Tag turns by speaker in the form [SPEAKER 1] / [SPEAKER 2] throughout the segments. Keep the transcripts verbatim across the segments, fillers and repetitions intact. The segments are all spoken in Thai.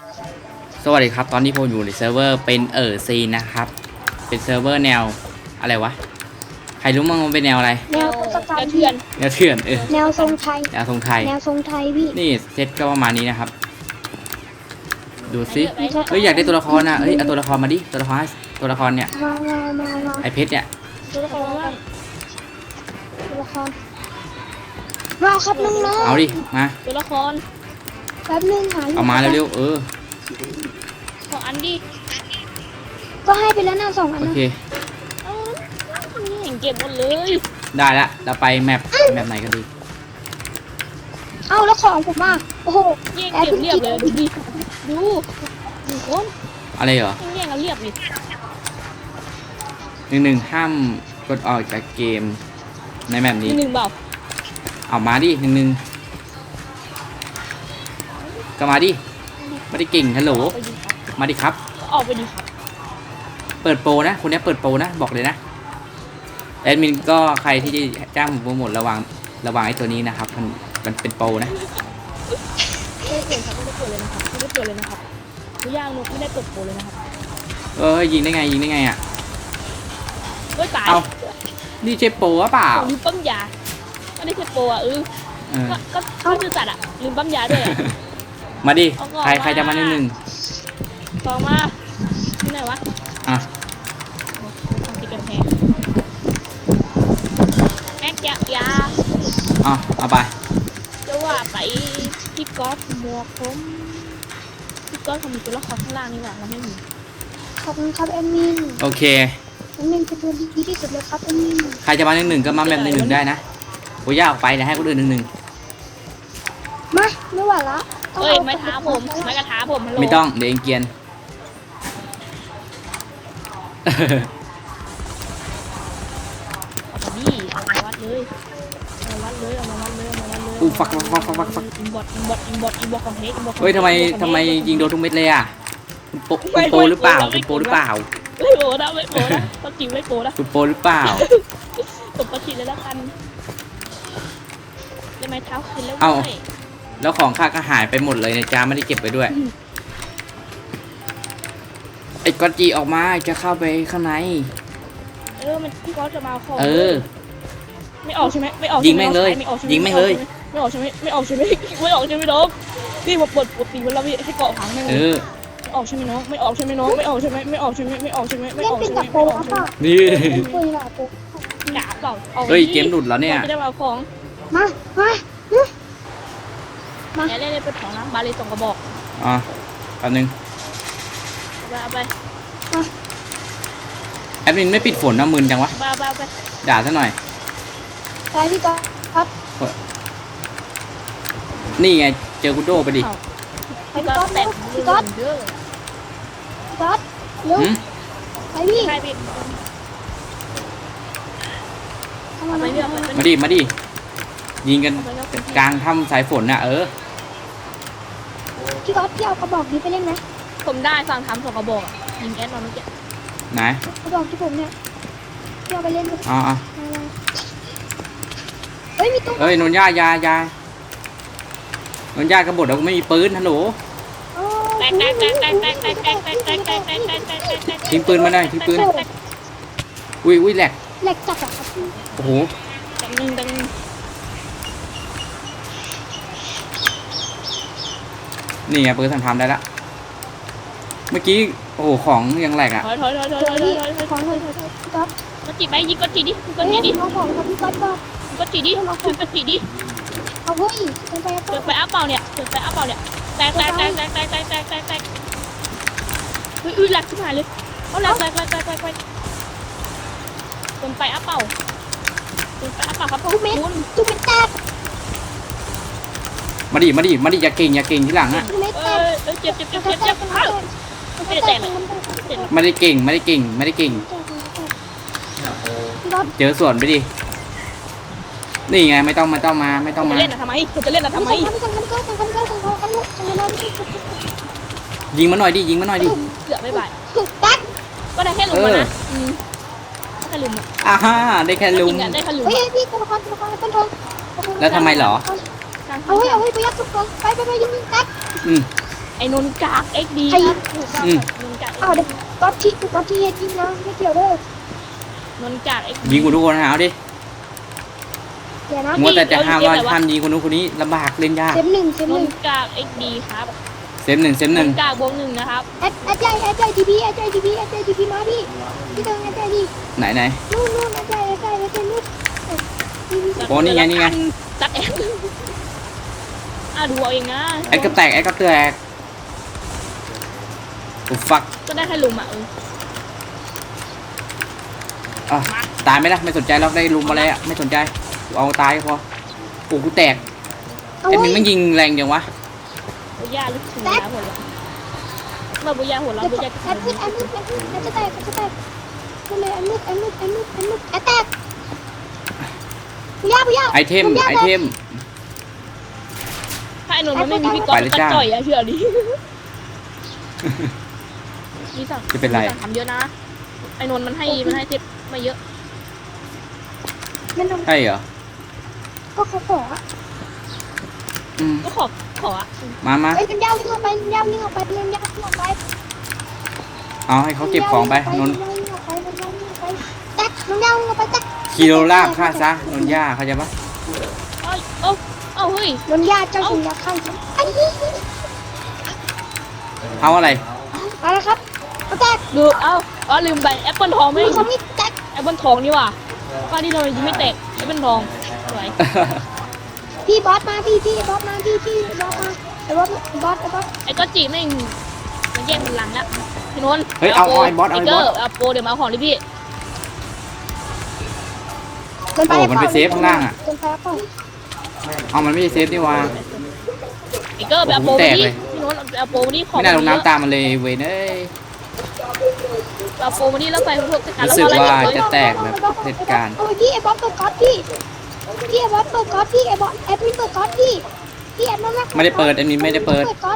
[SPEAKER 1] สวัสดีครับตอนนี้ผมอยู่ในเซิร์ฟเวอร์เป็นเออซีนะครับเป็นเซิร์ฟเวอร์แนวอะไรวะใครรู้มั้งมันเป็นแนวอะไร
[SPEAKER 2] แนวทศกัณฐ์เถื่อน
[SPEAKER 1] แนวเถื่อนเออ
[SPEAKER 2] แนวทรงไทย
[SPEAKER 1] แนวทรงไทย
[SPEAKER 2] แนวทรงไทยพี่
[SPEAKER 1] นี่เซตก็ประมาณนี้นะครับดูสิเฮ้ยอยากได้ตัวละครนะเฮ้ยเอาตัวละครมาดิตัวละครตัวละครเนี่ย
[SPEAKER 2] มามามามา
[SPEAKER 1] ไอเพชรเนี่ย
[SPEAKER 2] ตัวละครตัวละครมาครับน้องๆ
[SPEAKER 1] เอาดิมา
[SPEAKER 3] ตัวละคร
[SPEAKER 2] แป๊บนึงหายู่
[SPEAKER 1] เอามาเร็วๆเออ
[SPEAKER 3] ขออันดิ
[SPEAKER 2] ก็ให้ไปแล้วนะสองอัน
[SPEAKER 1] โอ
[SPEAKER 2] นะ
[SPEAKER 1] เค
[SPEAKER 3] เอ้านี่เห็นเก็บหมดเลย
[SPEAKER 1] ได้ละเราไปแมปแมปไหนกันดี
[SPEAKER 2] เอ้าแล้วของผมอ่ะโอ้โห
[SPEAKER 3] แย่ง
[SPEAKER 2] แอบ
[SPEAKER 3] เก็บ
[SPEAKER 2] เพิ่ง
[SPEAKER 3] เรียบ
[SPEAKER 2] คิด
[SPEAKER 3] เลยดูดิดูดูคน
[SPEAKER 1] อะไรเหรอ
[SPEAKER 3] แย่งกันเรียบดิ
[SPEAKER 1] หนึ่งหนึ่งห้ามกดออกจากเกมในแมปนี้
[SPEAKER 3] หนึ่งเปล่า
[SPEAKER 1] เอามาดิหนึ่งหนึ่งก็มาดิไม่ได้เก่งฮัลโหล
[SPEAKER 3] ไปดิครับ
[SPEAKER 1] มาดิครับ
[SPEAKER 3] ออกไปดิครับ
[SPEAKER 1] เปิดโปรนะคนนี้เปิดโปรนะบอกเลยนะแอดมินก็ใครที่จะจ้างผมโปรโมทระวังระวังไอ้ตัวนี้นะครับมันมันเป็นโปรนะ
[SPEAKER 3] ไม่ได้เปิดครับไม่ได้เปิดเลยนะครับไม่ได้เปิดเลยนะครับทุกอย่างนุกไม่ได้เปิดโปรเลยนะครับ
[SPEAKER 1] เออยิงได้ไงยิงได้ไงอ่ะ
[SPEAKER 3] เฮ้ยตาย
[SPEAKER 1] เอานี่ใช่โปรหรือเปล่า
[SPEAKER 3] ลืมปั๊มยาไม่ได้ใช่โปรอ่ะเออ
[SPEAKER 1] เออ
[SPEAKER 3] ก็ก็ก็คือสัตว์อ่ะลืมปั๊มยาด้วยอ่ะ
[SPEAKER 1] มาดิ
[SPEAKER 3] เอาก่อน
[SPEAKER 1] ใครใครจะมาหนึ่งหนึ่ง
[SPEAKER 3] สองมาที่ไหนวะ
[SPEAKER 1] อ่ะ
[SPEAKER 3] ทำติดกันแพงแม็กยายา
[SPEAKER 1] เอาเอาไป
[SPEAKER 3] จะว่าไปพี่ก๊อฟหมวกผมพี่ก๊อฟเขามีตัวละครข้างล่างนี่หว่าเราไม่มี
[SPEAKER 2] ขอบคุณครับแอดมิน
[SPEAKER 1] โอเค
[SPEAKER 2] แอดมินเป็นตัวที่ดีที่สุดเลยครับแอดมิน
[SPEAKER 1] ใครจะมาหนึ่งหนึ่งก็มาแบบหนึ่งหนึ่งได้นะโอ้ยยากออกไปเดี๋ยวให้คนอื่นหนึ่งหนึ่ง
[SPEAKER 2] มาไม่ไหวละ
[SPEAKER 3] เอ้ยไม้ท้าผมไม้กระท้าผมฮัลโหล
[SPEAKER 1] ไม่ต้องเดี๋ยวเองเกรียน
[SPEAKER 3] เอามาดิเอามาวัดเลยเอามาวัดเลยเอามาวัดเลยเอามาวัดเลย
[SPEAKER 1] อู้ฟักฟักฟักฟักฟัก
[SPEAKER 3] อินบอทอินบอทอินบอทอินบอทของเฮกอินบอทของ
[SPEAKER 1] เฮ้ยทำไมทำไมยิงโดนทุกเม็ดเลยอ่ะคุณโปคุณโปหรือเปล่าคุณโปหรือเปล่า
[SPEAKER 3] ไม่โปนะไม่โปนะต้องจิ๋วไม่โปนะ
[SPEAKER 1] คุณโปหรือเปล่า
[SPEAKER 3] ผมประชิดเลยแล้วกันได้ไม้เท้าคืนแล้ว
[SPEAKER 1] เอ้า
[SPEAKER 3] เว้ย
[SPEAKER 1] แล้วของข้าก็หายไปหมดเลยนะจ๊ะไม่ได้เก็บไปด้วยไอ้กอตจีออกมาจะเข้าไปข้างใน
[SPEAKER 3] เออมันพี่ก๊อฟจะมาเอาของ
[SPEAKER 1] เออ
[SPEAKER 3] ไม่ออกใช่ไหมไม่ออก
[SPEAKER 1] ยิงแม่งเลย
[SPEAKER 3] ไม่ออกใช่ไห
[SPEAKER 1] ยิงแม่งเลย
[SPEAKER 3] ไม่ออกใช่ไหมไม่ออกใช่ไหมไม่ออกใช่ไหมน้องพี่มาเปิดปกติเวลาพี่ให้เกาะหางแม่ง
[SPEAKER 1] เอ
[SPEAKER 3] เลย
[SPEAKER 1] อ
[SPEAKER 3] ไม่ออกใช่ไหมน้องไม่ออกใช่ไหมน้องไม่ออกใช่ไหมไม่ออกใช่ไหมไม่ออกใช่ไหมไม่
[SPEAKER 2] เล่
[SPEAKER 3] อน อก
[SPEAKER 2] เป็น
[SPEAKER 3] ใช่ไหม
[SPEAKER 2] กับโปร
[SPEAKER 3] ไม่ออก
[SPEAKER 2] ครับ
[SPEAKER 3] ใช่ไหม
[SPEAKER 2] ป่ะ
[SPEAKER 1] นี่
[SPEAKER 2] เป็นโปรกับโปร
[SPEAKER 3] หนาเปล่าอา
[SPEAKER 1] เฮ้ยเกมหลุดแล้วเนี่ย
[SPEAKER 3] จะได้มาเอาของ
[SPEAKER 2] มามามา
[SPEAKER 3] แกเล่นเล่นเป็นของนะบาเลส่งกระบอก
[SPEAKER 1] อ่ะแป๊บนึง
[SPEAKER 3] เอาไปเอาไป
[SPEAKER 1] แอดมินไม่ปิดฝนนะมึนจังวะ
[SPEAKER 3] เอาไปเอาไปเอาไป
[SPEAKER 1] ด่าซะหน่อย
[SPEAKER 2] ไปพี่ก๊อฟครับ
[SPEAKER 1] นี่ไงเจอคุณโดไปดิ
[SPEAKER 3] เอา
[SPEAKER 2] ไป
[SPEAKER 3] พี่
[SPEAKER 2] พี่
[SPEAKER 3] ก็
[SPEAKER 2] ก๊อฟ
[SPEAKER 3] แต่
[SPEAKER 2] เร็
[SPEAKER 3] ง
[SPEAKER 2] วพี่ก๊อฟ
[SPEAKER 3] เยอะ
[SPEAKER 2] พี่ก๊อฟเร็ว
[SPEAKER 1] หืม
[SPEAKER 2] ไปพี่
[SPEAKER 3] ใช่พี่
[SPEAKER 2] เข้ามา
[SPEAKER 3] เอาไป
[SPEAKER 2] เลย
[SPEAKER 3] เรื่อยเอาไป
[SPEAKER 1] มา
[SPEAKER 3] เรื่อย
[SPEAKER 1] ดิมาดิยิงกัน
[SPEAKER 3] เอาไปเรื่อย
[SPEAKER 1] กลางถ้ำสายฝนน่ะเออ
[SPEAKER 2] พี่ก๊อฟพี่เอากระบอกนี้ไปเล่นไหม
[SPEAKER 3] ผมได้ฟังทำส่งกระบอกอะยิงแอดมาเมื่อกี้
[SPEAKER 1] ไหน
[SPEAKER 2] กระบอกที่ผมเนี่ยพี่เอาไปเล่นไหม
[SPEAKER 1] อ๋ออ๋อ
[SPEAKER 2] เฮ้ยมีตู้
[SPEAKER 1] เอ้ยนนย่ายายานนย่ากระบดเราไม่มีปืนฮัลโหล
[SPEAKER 3] แตกแตกแตกแตกแตกแตกแตกแตกแตกแตกแตกแตกแตกแตกแตก
[SPEAKER 1] ทิ้งปืนมาหน่อยทิ้งปืนอุ้ยอุ้ยแหลก
[SPEAKER 2] เหล็กจัดอะครับพี่
[SPEAKER 1] โอ้โห
[SPEAKER 3] ดังหนึ่งดังหนึ่ง
[SPEAKER 1] นี่ไงปืนทำทำได้ละเมื่อกี้โอ้โหของยังแหลกอ่ะ
[SPEAKER 3] ถอยถอยถอยถอย
[SPEAKER 2] เดี๋ยว
[SPEAKER 3] ถอย
[SPEAKER 2] พี่
[SPEAKER 3] ถอยถอย
[SPEAKER 2] ขอหน่อยพี่ก๊อฟ
[SPEAKER 3] กดจีไปยิงกดจีดิกด
[SPEAKER 2] เฮ้
[SPEAKER 3] จี
[SPEAKER 2] ย
[SPEAKER 3] ดิ
[SPEAKER 2] น้องของครับพี่ก๊อฟก็
[SPEAKER 3] กดจีดิกดจีดิ
[SPEAKER 2] เอาเฮ้ยเป็นไป
[SPEAKER 3] เกิดไปอัพเปล่าเนี่ยเกิดไปอัพเปล่าเนี่ยแตกแตกแตกแตกแตกแตกแตกแตกแตกเฮ้ยอุ้ยแหลกขึ้นมาเลยเอาแหลกแตกแตกแตกแตกแตกเกินไปอัพเปล่าเกินไปอัพเปล่าครับ
[SPEAKER 2] ทุกเม็ด
[SPEAKER 3] คุณ
[SPEAKER 2] ทุกเม็ดแตก
[SPEAKER 1] มาดิมาดิมาดิอย่าเก่งอย่าเก่งที่หลังอ่ะ
[SPEAKER 2] ทุกเม็ด
[SPEAKER 3] เอ
[SPEAKER 2] แตก
[SPEAKER 3] อเออเจ็บเจ็บเจ็บเจ็บเจ็บเอ้าไม่ได้แตกเลยเจ็บ
[SPEAKER 1] ไม่ได้เก่งไม่ได้เก่งไม่ได้เก่ง
[SPEAKER 2] พี่ก๊อฟ
[SPEAKER 1] เจอส่วนไปดินี่ไงไม่ต้องไม่ต้องมาไม่ต้อง
[SPEAKER 3] จะ
[SPEAKER 1] มา
[SPEAKER 3] เล่นอะทำไมจะเล่นอะทำไม
[SPEAKER 2] ไม่ส่งไม่ส่งไม่ส่งไม่ส่งไม่ส่งไม่ส่งไม่ส่งไม่ส่งไม่ส่ง
[SPEAKER 1] ยิงมาหน่อยดิยิงมาหน่อยดิ
[SPEAKER 3] เกือบไม่บาย
[SPEAKER 2] แตก
[SPEAKER 3] ก็ได้แค่ลุมนะอืมแค่ลุมอะ
[SPEAKER 1] อ่าฮ่าได้แค่ลุ
[SPEAKER 3] จ
[SPEAKER 1] ม
[SPEAKER 3] ริงอะได้แค่ลุม
[SPEAKER 2] เฮ้ยพี่ตัวละครตัวละครต้นทอง
[SPEAKER 1] แล้วทำไมเหรอ
[SPEAKER 2] เอาเฮ้ยเอาเฮ้ยไปยัดทุกคนไปไปไปยิงยิงแตก
[SPEAKER 1] อืม
[SPEAKER 3] ไออ้นนท์กากเอ็กดีครับนนท์กาก
[SPEAKER 2] อ้าวเดี๋ยวก๊อตที่ก๊อตที่เฮ็ดยิงนะไม่เกี่ยวเด้อน
[SPEAKER 3] นท์กากเอ็ก
[SPEAKER 1] ยิงกูทุกคนนะเอาดิ
[SPEAKER 2] เดี๋ยวนะ
[SPEAKER 1] มัวแต่จะห้ามว่าห้ามยิงคนนู้นคนนี้ลำบากเล่นยาก
[SPEAKER 2] เซฟหนึ่งเซฟ
[SPEAKER 3] น
[SPEAKER 2] หนึ่
[SPEAKER 3] น
[SPEAKER 2] ง
[SPEAKER 3] ท์กากเอ็กดีครับ
[SPEAKER 1] เซฟหนึ่งเซฟห
[SPEAKER 3] น
[SPEAKER 1] นึ่ง
[SPEAKER 3] นท์กากบวกหนึ่งนะครับ
[SPEAKER 2] แอดแอดใจแอดใจทีพีแอดใจทีพีแอดใจทีพีมาพี่พี่เติงแอดใจดิ
[SPEAKER 1] ไหนไหน
[SPEAKER 2] นู่นนู่นแอดใจแอดใจแอดใจนู่น
[SPEAKER 1] โอ้นี่ไงนี่ไง
[SPEAKER 3] ตัดแอดอ่ะดูเอาเองนะ
[SPEAKER 1] แอดกับแตกแอดกับแตกโอ้ฟัก
[SPEAKER 3] ก็ได้แค่ลุมอ่ะเออ
[SPEAKER 1] อ่ะตายไหมล่ะไม่สนใจเราได้ลุมอะไรอ่ะไม่สนใจเอาตายก็พอโอ้กูแตก
[SPEAKER 2] เอา
[SPEAKER 1] ไอ้
[SPEAKER 2] ไว้
[SPEAKER 1] มันไม่ยิงแรงจังวะ
[SPEAKER 3] บุญญาลึกถึงแล้วหัวเราะมาบุญญาหัวเราะบุญญา
[SPEAKER 2] แอดมืดแอดมืดแอดมืดแอดจะแตกแอดจะแตกนั่นเลยแอดมืดแอดมืดแอดมืดแอดมืดแอดแตกปุยาปุยา
[SPEAKER 1] ไอเทมไอเทม
[SPEAKER 3] ถ้าไอ้นนท์มันไม่มีพี่ก๊อฟ
[SPEAKER 1] ไปเลย
[SPEAKER 3] มัน
[SPEAKER 1] จ้า
[SPEAKER 3] จ่อยอะเชื่อดินี่สั่ง
[SPEAKER 1] จะเป็นไร
[SPEAKER 3] สั่งทำเยอะนะไอ้นนท์มันให้มันให้เทปมาเยอะ
[SPEAKER 2] มัน
[SPEAKER 1] ใช่เหรอ
[SPEAKER 2] ก็เขาขออ่ะ
[SPEAKER 1] อืม
[SPEAKER 3] ก็ขอขออะ
[SPEAKER 1] มามา
[SPEAKER 2] ไอ้ยมันยาววิ่งออกไปมันยาววิ่งออกไปมันยาววิ่งออกไป
[SPEAKER 1] เอาให้เขาเก็บของไปนนท์
[SPEAKER 2] มันยาววิ่งออกไปมันยาววิ่งออกไปแตกมันยาววิ่งออกไปแตก
[SPEAKER 1] คิโลลาบฆ่าซะนนท์ย่าเขาใจปะ
[SPEAKER 3] เอ้ยเอ้าเอ้าเฮ้ย
[SPEAKER 2] นนยาเจ้าสุนัขข้างฉันไอ้นี่
[SPEAKER 1] เอาอะไร
[SPEAKER 2] มาแล้วครับเอาแตก
[SPEAKER 3] ดูเอ้าอ๋อลืมไปแอปเปิลทองไม่
[SPEAKER 2] มือเขาไม่แตก
[SPEAKER 3] แอปเปิลทองนี่ว่ะป้าที่เรายิงไม่แตกแอปเปิลทองสวย
[SPEAKER 2] พี่บอสมาพี่พี่บอสมาพี่พี่บอสมาไอ้บอสบอสไอ้บอส
[SPEAKER 3] ไอ้ก็จีแม่งมันแย่งมันหลังแล้วพี่นนท์
[SPEAKER 1] เฮ้ยเอาเอาไอ้บอสเอาไอ้บอส
[SPEAKER 3] เกร์เอาโปรเดี๋ยวมาเอาของดิพี่
[SPEAKER 2] เกินไป
[SPEAKER 1] โอ้มันไปเซฟข้างล่างอะ
[SPEAKER 2] เกินไปเปล่า
[SPEAKER 1] เอามันไม่ใช่เซฟนี่วะ
[SPEAKER 3] ไอ้เกอร์ไปเอาโปร
[SPEAKER 1] โอ้โหแต
[SPEAKER 3] มาก ดิ
[SPEAKER 1] เลย
[SPEAKER 3] พี่นนท์เอาเอาโปรมาดิของ
[SPEAKER 1] ไม่น่าลง
[SPEAKER 3] เยอะ
[SPEAKER 1] น้ำตามมันเลยเวยเอ้ย
[SPEAKER 3] เอาโปรมาดิแล้วไปพวกจัดการ
[SPEAKER 1] รู้
[SPEAKER 3] แล้ว
[SPEAKER 1] สึก
[SPEAKER 3] พออะไร
[SPEAKER 1] ว่า
[SPEAKER 3] เนี่ย
[SPEAKER 1] จะแตกแบบเหตุการณ์
[SPEAKER 2] โอ้ยพี่ไอ้บอสเปิดก๊อตพี่พี่ไอ้บอสเปิดก๊อตพี่ไอ้บอสแอดมินเปิดก๊อตพี่พี่แอดมิน
[SPEAKER 1] ไม่ได้เปิดอันนี้ไม่ได้เปิด
[SPEAKER 2] ก๊อต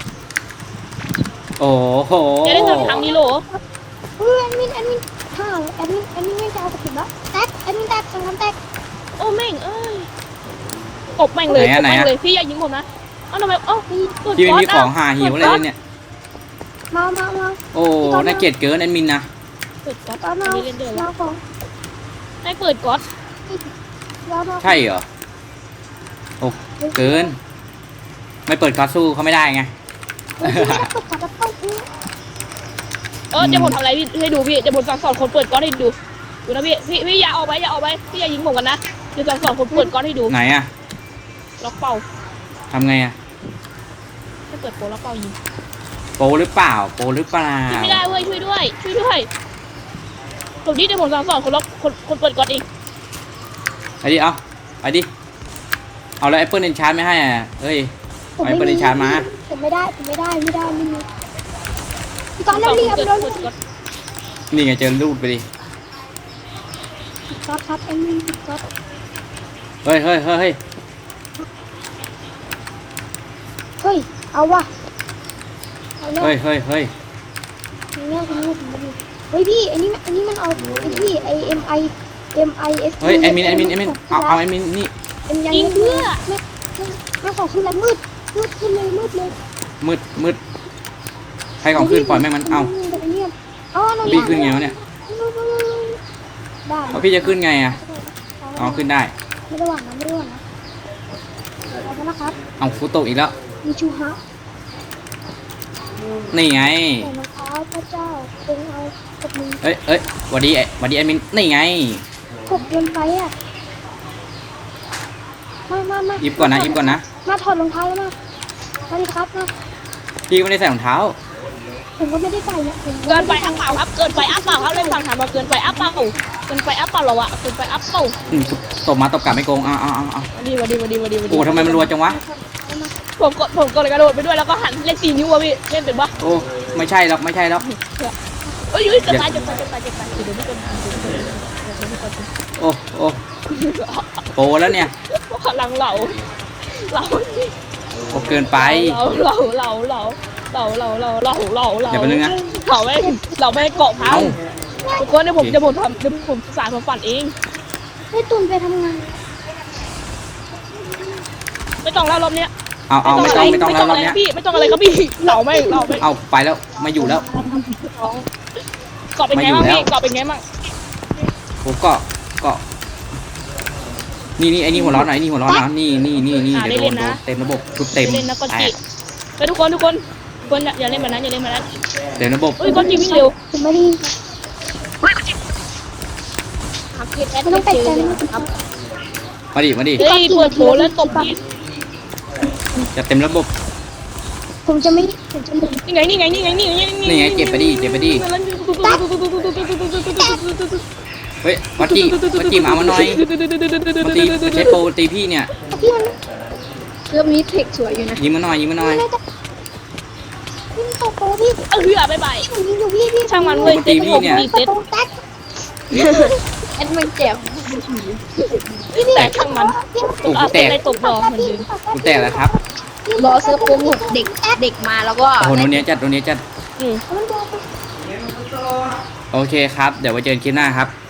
[SPEAKER 1] โอ้โห
[SPEAKER 3] จะได้ทำทางนี้โหล
[SPEAKER 2] เออแอดมินแอดมินฮ่าแอดมินแอดมินไม่จะเอาสกิลแล้วแตกแอดมินแตกสังคำแตก
[SPEAKER 3] โอ้แม่งเอ้ยตบแม่งเลยตบแม่งเลยพี่อย่ายิงผมนะเอ้าทำไมเอ้าเปิด
[SPEAKER 1] ที่ไม่
[SPEAKER 3] ก๊อต
[SPEAKER 1] มีของหาหิวอะไรเลยเนี่ย
[SPEAKER 2] มามามา
[SPEAKER 1] โอ้น่าเกลียดเกินแอดมินนะ
[SPEAKER 3] เปิดก๊อต
[SPEAKER 2] ตอน
[SPEAKER 3] อั
[SPEAKER 2] มาน
[SPEAKER 3] นี้เล่นเดือดแล้
[SPEAKER 2] มาว ของ
[SPEAKER 3] ให้เปิดก๊อต
[SPEAKER 2] มามา
[SPEAKER 1] ใช่เหรอโอ้เกิน ไม่เปิดคาสู้เขาไม่ได้ไง
[SPEAKER 2] เฮ้ยพี่ไม่ได้เปิดก๊อตแล้วต้องอื้อ
[SPEAKER 3] เออเดี๋ยวผมทำอะไรพี่ให้ดูพี่เดี๋ยวผมสั่งสอนคนเปิดก๊อตให้ดูดูนะพี่พี่พี่อย่าออกไปอย่าออกไปพี่อย่ายิงผมกันนะเดี๋ยวสั่งสอนคนเปิดก๊อตให้ดู
[SPEAKER 1] ไหนอะ
[SPEAKER 3] ล็อกเป้า
[SPEAKER 1] ทำไงอะ
[SPEAKER 3] ถ้าเปิดโปรล็อกเป้ายิง
[SPEAKER 1] โปรหรือเปล่าโปรหรือเปล่า
[SPEAKER 3] ช่วยไม่ได้เว้ยช่วยด้วยช่วยด้วยผมนี่เดี๋ยวผมสั่งสอนคนล็อกคนคนเปิดก๊อตเอง
[SPEAKER 1] ไปดิเอาไปดิเอาแล้วแอปเปิลเอนชาร์ไม่ให้อ่ะเฮ้ย
[SPEAKER 2] ผม
[SPEAKER 1] เอาแอปเปิลเอนชาร์มา
[SPEAKER 2] ผมไม่ได้ผมไม่ได้ไม่ได้ไม่มีพี่ตอน
[SPEAKER 3] ส
[SPEAKER 2] นั้
[SPEAKER 3] อน น
[SPEAKER 2] เรียบ
[SPEAKER 3] เปิด
[SPEAKER 2] โดน
[SPEAKER 3] เปิดก๊อต
[SPEAKER 1] นี่ไงเจอรูดไปดิ
[SPEAKER 2] ก๊อตครับแอดมินก๊อต
[SPEAKER 1] เฮ้ยเฮ้ยเฮ้ยเฮ้ย
[SPEAKER 2] เฮ้ยเอาว่ะเอาเนี่ย
[SPEAKER 1] เฮ้ยเฮ้ยเฮ้ย
[SPEAKER 2] เนี่ยคุณลูกผมดูเฮ้ยพี่อันนี้อันนี้มันเอาไอ้พี่ไอเอ็มไอเอ็มไอเอส
[SPEAKER 1] เฮ้ยแอดมินแอดมินแอดมินเอาเอาแอดมินนี่
[SPEAKER 2] เป็นยัง
[SPEAKER 3] ยิง
[SPEAKER 2] ไง
[SPEAKER 3] เพื่อ
[SPEAKER 2] ไม่ไม่ของขึ้นแล้วมืดมืดขึ้นเลยมืดเลย
[SPEAKER 1] มืดมืดใครของขึ้นปล่อยแม่งมันเอา
[SPEAKER 2] อ๋อ
[SPEAKER 1] พี่ขึ้นไงวะเนี่ย
[SPEAKER 2] ได้
[SPEAKER 1] เอาพี่จะขึ้นไงอ่ะเอาขึ้นได้
[SPEAKER 2] ไม่ได้หวังนะไม่ได้หวังนะเอาไปนะครับ
[SPEAKER 1] เอาฟุตโตอีกแล้ว
[SPEAKER 2] มีชูฮะ
[SPEAKER 1] นี่ไง
[SPEAKER 2] แต่รองเท้าพระเจ้าคงเอากับมือ
[SPEAKER 1] เอ้ยเอ้ยหวัดดีหวัดดีแอดมินนี่ไง
[SPEAKER 2] กบเกินไปอ่ะมามามา
[SPEAKER 1] หยิบก่อนนะหยิบก่อนนะ
[SPEAKER 2] มาถอดรองเท้าแล้วมามาดิครับมา
[SPEAKER 1] พี่ไม่ได้ใส่รองเท้า
[SPEAKER 2] ผมก็ไม่ได้ใส่เนี่ยผม
[SPEAKER 3] เกินไปอัพเปล่าครับเกินไปอัพเปล่าครับเล่นฟังถามมาเกินไปอัพเปล่าเกินไปอัพเปล่าเราอะเกินไปอัพเปล่า
[SPEAKER 1] อืมตบมาตบกลับไม่โกงเอาเอาเอาเอา
[SPEAKER 3] วันดีวันดีวันดีวันดีวันดี
[SPEAKER 1] โอ้ทำไมมันรัวจังวะ
[SPEAKER 3] ผมกดผมกดกระโดดไปด้วยแล้วก็หันเล่นสี่นิ้วอะพี่เล่นเป็นปะ
[SPEAKER 1] โอ้ไม่ใช่หรอกไม่ใช่หรอก
[SPEAKER 3] เอ้ยจะตายจะตายจะตายจะตายเดี๋ยวไม่กดเดี๋ยวไม่กด
[SPEAKER 1] โอ้โอ้โปรแล้วเนี่ย
[SPEAKER 3] พลังเหล่าเหล่า
[SPEAKER 1] โอ้เกินไป
[SPEAKER 3] เหล่าเหล่าเหล่าเหล่าเหล่าเหล่าเหล่าเหล่าเหล่า
[SPEAKER 1] อย่าไปนึงนะ
[SPEAKER 3] เหล่าไม่เหล่าไม่เกาะพัง
[SPEAKER 1] เอ้า
[SPEAKER 3] ทุกคนเดี๋ยวผมจะผมทำเดี๋ยวผมสารผมฝันเอง
[SPEAKER 2] ให้ตุนไปทำงาน
[SPEAKER 3] ไม่ต้องแล้วรอบเนี้ย
[SPEAKER 1] เอาเอาไม่ต้องไม่ต้องแล้วรอบเนี้ย
[SPEAKER 3] พี่ไม่ต้องอะไรครับพี่เหล่าไม่เหล่าไม่
[SPEAKER 1] เอาไปแล้วไม่อยู่แล้ว
[SPEAKER 3] เกาะเป็นไงบ้างพี่เกาะเป็นไงบ้าง
[SPEAKER 1] ผมเกาะเกาะนี่นี่ไอ้นี่หัวร้อนหน่อยไอ้นี่หัวร้อนนะนี่นี่นี่นี่เดี๋ยวโดนโดนเต็มระบบชุดเต็ม
[SPEAKER 3] เล่นนะก้อน
[SPEAKER 1] แต
[SPEAKER 3] จี
[SPEAKER 1] ก
[SPEAKER 3] ไปทุกคนทุกคนทุกคนอย่าเล่นแบบนั้นอย่าเล่นแบบนั้น
[SPEAKER 1] เต็มระบบ
[SPEAKER 3] เฮ้ยก้อนจีวิ่งเร็ว
[SPEAKER 2] ผมไม่ได้
[SPEAKER 3] ครับพี่แอด
[SPEAKER 2] ไม่ต้องแปลกใจครับ
[SPEAKER 1] มาดิมาดิ
[SPEAKER 3] เฮ้ยเปิดโผแล้วตบพี่
[SPEAKER 1] จะเต็มระบบ
[SPEAKER 2] ผมจะไม่ผมจะไม่
[SPEAKER 3] นี่ไงนี่ไงนี่ไงนี่ไง
[SPEAKER 1] นี่ไงเจ็บไปดิเจ็บไปดิเฮ้ยวัดจีวัดจีมามาหน่อยวัดจีใช้โปรตีพี่เนี่ย
[SPEAKER 2] พี่มัน
[SPEAKER 3] เรื่องนี้เทคสวยอยู่นะ
[SPEAKER 1] ยิงมาหน่อยยิงมาหน่อย
[SPEAKER 2] ไม่ได้จะพี่ตกโปพี่
[SPEAKER 3] เออเหือบ๊ายบาย
[SPEAKER 2] ผมยิงอยู่พี่พี่
[SPEAKER 3] ช่างมันเว้ย
[SPEAKER 1] ตีพี่เนี่ย
[SPEAKER 2] ประตูแตก
[SPEAKER 3] แอดมันเจ็บ
[SPEAKER 2] พี่พี่
[SPEAKER 3] แต่ช่างมัน
[SPEAKER 2] พี่
[SPEAKER 1] โอ้
[SPEAKER 3] อา
[SPEAKER 1] กูแตก
[SPEAKER 3] อะไรตกดอกเหมือนเดิม
[SPEAKER 1] กูแตกแล้วครับ
[SPEAKER 3] รอเสื้อโปรโมทเด็กเด็กมาแล้วก็
[SPEAKER 1] โอ้โหโนเนี้ยจัดโนเนี้ยจัด
[SPEAKER 3] อืม
[SPEAKER 2] มันโดน
[SPEAKER 1] โอเคครับเดี๋ยวไว้เจอกันคลิปหน้าครับ